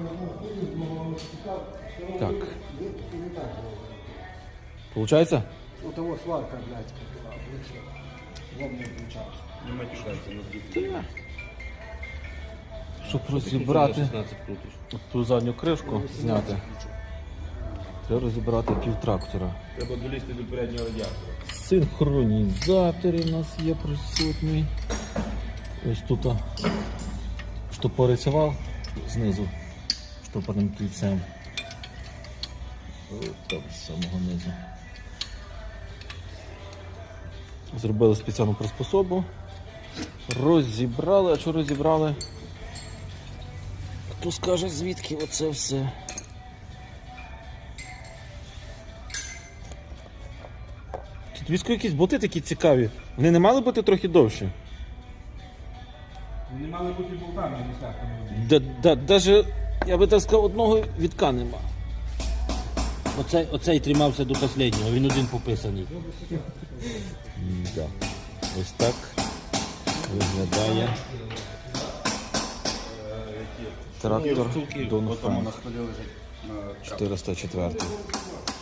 Так. Получається? У того сварка, блядь, как влетела. Лом не включався. Не матюкайся, не збити. Щоб розібрати 16 крутиш. ту задню кришку, зняти, треба розібрати півтрактора. Треба долізти до переднього радіатора. Синхронізатори у нас є присутні. Ось тут штопориться вал знизу штопорним кільцем. Ось там з самого низу. Зробили спеціальну приспособу. Розібрали, а що розібрали? Хто скаже, звідки оце все? Тут військові якісь боти такі цікаві. Вони не мали бути трохи довші? Вони мали бути болтами, а не сляхами. Даже, я би так сказав, одного відка нема. Оцей тримався до останнього, він один пописаний. Да. Ось так виглядає трактор Донфен 404.